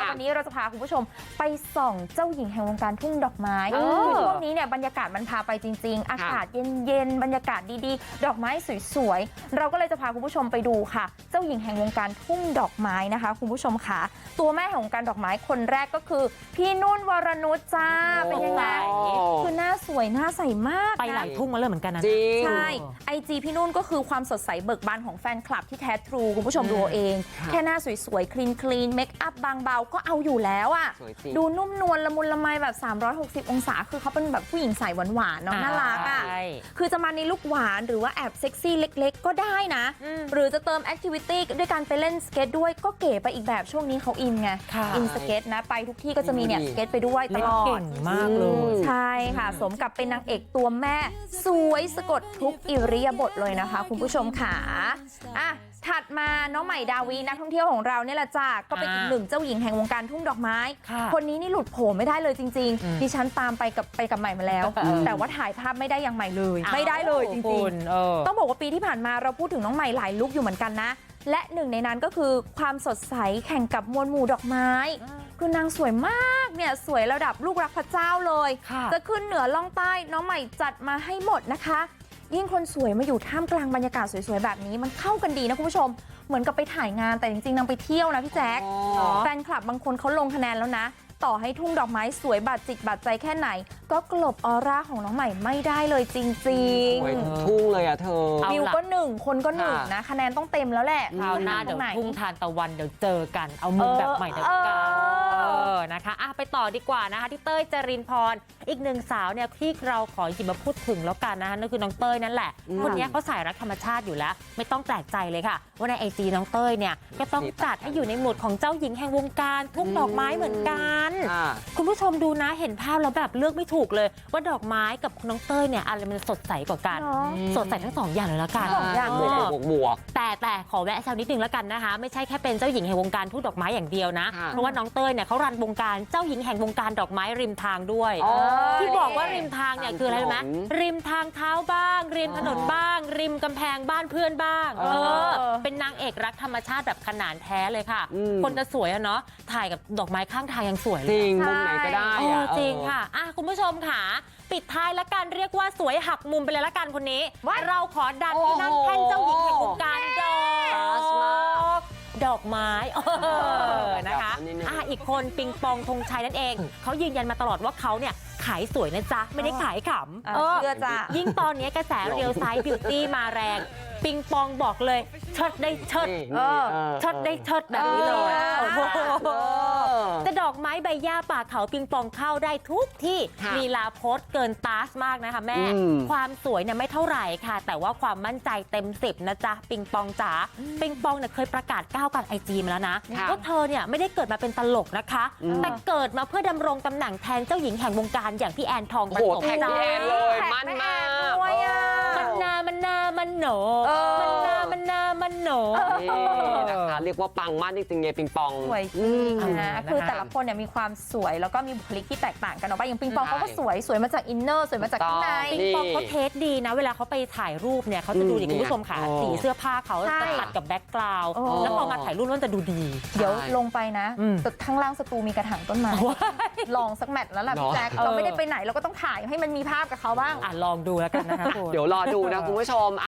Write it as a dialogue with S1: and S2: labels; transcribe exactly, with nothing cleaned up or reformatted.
S1: วันนี้เราจะพาคุณผู้ชมไปส่องเจ้าหญิงแห่งวงการทุ่งดอกไม้คือช่วงนี้เนี่ยบรรยากาศมันพาไปจริงๆอากาศเย็นๆบรรยากาศดีๆดอกไม้สวยๆเราก็เลยจะพาคุณผู้ชมไปดูค่ะเจ้าหญิงแห่งวงการทุ่งดอกไม้นะคะคุณผู้ชมค่ะตัวแม่แห่งวงการดอกไม้คนแรกก็คือพี่นุ่นวรนุชจ้าเป็นยังไงคือหน้าสวยหน้าใสมาก
S2: ไปหลายทุ่งมาเลยเหมือนกันนะ
S1: ใช่ไอจีพี่นุ่นก็คือความสดใสเบิกบานของแฟนคลับที่แท้ทรูคุณผู้ชมดูเองแค่หน้าสวยๆคลีนคลีนเมคอัพบางเบาก็เอาอยู่แล้วอ่ะดูนุ่มนวลละมุนละไมแบบสามร้อยหกสิบองศาคือเขาเป็นแบบผู้หญิงใสหวานๆเนาะน่ารักอ่ะคือจะมาในลุคหวานหรือว่าแอบเซ็กซี่เล็กๆก็ได้นะหรือจะเติมแอคทิวิตี้ด้วยการไปเล่นสเก็ตด้วยก็เก๋ไปอีกแบบช่วงนี้เขาอินไงอินสเก็ตนะไปทุกที่ก็จะมีเนี่ยสเก็ตไปด้วยตลอด
S2: เก่งมากเลย
S1: ใช่ค่ะสมกับเป็นนางเอกตัวแม่สวยสะกดทุกอิริยาบถเลยนะคะคุณผู้ชมค่ะอ่ะถัดมาน้องใหม่ดาวีนักท่องเที่ยวของเราเนี่ยแหละจ้าก็เป็นอีกหนึ่งเจ้าหญิงแห่งวงการทุ่งดอกไม้คนนี้นี่หลุดโผล่ไม่ได้เลยจริงๆดิฉันตามไปกับไปกับใหม่มาแล้วแต่ว่าถ่ายภาพไม่ได้อย่างใหม่เลยไม่ได้เลยจริงๆต้องบอกว่าปีที่ผ่านมาเราพูดถึงน้องใหม่หลายลุคอยู่เหมือนกันนะและหนึ่งในนั้นก็คือความสดใสแข่งกับมวลหมู่ดอกไม้คือนางสวยมากเนี่ยสวยระดับลูกรักพระเจ้าเลยจะขึ้นเหนือล่องใต้น้องใหม่จัดมาให้หมดนะคะยิ่งคนสวยมาอยู่ท่ามกลางบรรยากาศสวยๆแบบนี้มันเข้ากันดีนะคุณผู้ชมเหมือนกับไปถ่ายงานแต่จริงๆนางไปเที่ยวนะพี่แจ๊คแฟนคลับบางคนเขาลงคะแนนแล้วนะต่อให้ทุ่งดอกไม้สวยบาดจิตบาดใจแค่ไหนก็กลบออร่าของน้องใหม่ไม่ได้เลยจริง
S3: ๆสวยทุ่งเลยอ่ะเธอ
S1: วิวก็หนึ่งคนก็หนึ่งนะคะแนนต้องเต็มแล้วแหละ
S2: คราวหน้าเดี๋ยวทุ่งทานตะวันเดี๋ยวเจอกันเอามุมแบบใหม่เดี๋ยวกันเออนะคะอ่ะไปต่อดีกว่านะคะที่เต้ยจรินพรอีกหนึ่งสาวเนี่ยที่เราขอหยิบมาพูดถึงแล้วกันนะคะนั่นคือน้องเต้ยนั่นแหละคนนี้เขาสายรักธรรมชาติอยู่แล้วไม่ต้องแปลกใจเลยค่ะว่าในไอจีน้องเต้ยเนี่ยก็ต้องจัดให้อยู่ในหมวดของเจ้าหญิงแห่งวงการทุ่งดอกไม้เหมือนกันคุณผู้ชมดูนะเห็นภาพแล้วแบบเลือกไม่ถูกเลยว่าดอกไม้กับน้องเต้ยเนี่ยอะไรมันสดใสกว่ากันสดใสทั้งสองอย่างเลยละกัน
S1: สองอย่าง
S3: บวกบวก
S2: แต่แต่ขอแวะแซวนิดนึงแล้วกันนะคะไม่ใช่แค่เป็นเจ้าหญิงแห่งวงการทุ่งดอกไม้อย่างเดียวนะเพราะว่าน้องเต้ยเนี่ยเขารันวงการเจ้าหญิงแห่งวงการดอกไม้ริมทางด้วยที่บอกว่าริมทางเนี่ยคืออะไรรู้ไหมริมทางเท้าบ้างริมถนนบ้างริมกำแพงบ้านเพื่อนบ้างเออเป็นนางเอกรักธรรมชาติแบบขนานแท้เลยค่ะคนจะสวยอะเนาะถ่ายกับดอกไม้ข้างทางยังสวยเลย
S3: จริงมุมไหนก็ได้
S2: จริงค่ะอ่ะคุณผู้ชมค่ะปิดท้ายละกันเรียกว่าสวยหักมุมไปเลยละกันคนนี้เราขอดันที่นั่งแท่นเจ้าหญิงแห่งวงการดอกดอกไม้นะคะอ่ะอีกคนปิงปองธงชัยนั่นเองเขายืนยันมาตลอดว่าเขาเนี่ยขายสวยนะจ๊ะไม่ได้ขายขำ
S1: เออเชื่อจ้ะ
S2: ยิ่งตอนนี้กระแสเรียลไซส์บิวตี้มาแรงปิงปองบอกเลยเชิดได้เชิดเชิดได้เชิดแบบนี้เลยแต่ดอกไม้ใบหญ้าป่าเขาปิงปองเข้าได้ทุกที่ลีลาโพสเกินตาสมากนะคะแม่ความสวยเนี่ยไม่เท่าไหร่ค่ะแต่ว่าความมั่นใจเต็มสิบนะจ๊ะปิงปองจ๋าปิงปองเนี่ยเคยประกาศก้าวกลางไอจีมาแล้วนะว่าเธอเนี่ยไม่ได้เกิดมาเป็นตลกนะคะแต่เกิดมาเพื่อดำรงตำแหน่งแทนเจ้าหญิงแห่งวงการอย่างพี่แอนทองประสม
S3: จ้าเลยมั่นมาก
S2: มันนามันนามันโหนมันนามันนามันโหน
S3: นะคะเรียกว่าปังมากจริงๆเนี่ยปิงปอง
S1: สวยจริงนะคือแต่ละคนเนี่ยมีความสวยแล้วก็มีบุคลิกที่แตกต่างกันออกไปอย่างปิงปองเขาก็สวยสวยมาจากอินเนอร์สวยมาจากข้างใน
S2: ปิงปองเขาเทสดีนะเวลาเขาไปถ่ายรูปเนี่ยเขาจะดูดิคุณผู้ชมค่ะสีเสื้อผ้าเขาจะตัดกับแบ็คกราวด์แล้วพอมาถ่ายรูปมันจะดูดี
S1: เดี๋ยวลงไปนะแต่ข้างล่างสตูมีกระถางต้นไม้ลองสักแมตช์แล้วล่ะพี่แจ๊คเราไม่ได้ไปไหนเราก็ต้องถ่ายให้มันมีภาพกับเขาบ้าง
S2: อ่ะลองดูแล้วกันนะคะ
S3: เดี๋ยวรอดูนะคุณผู้ชม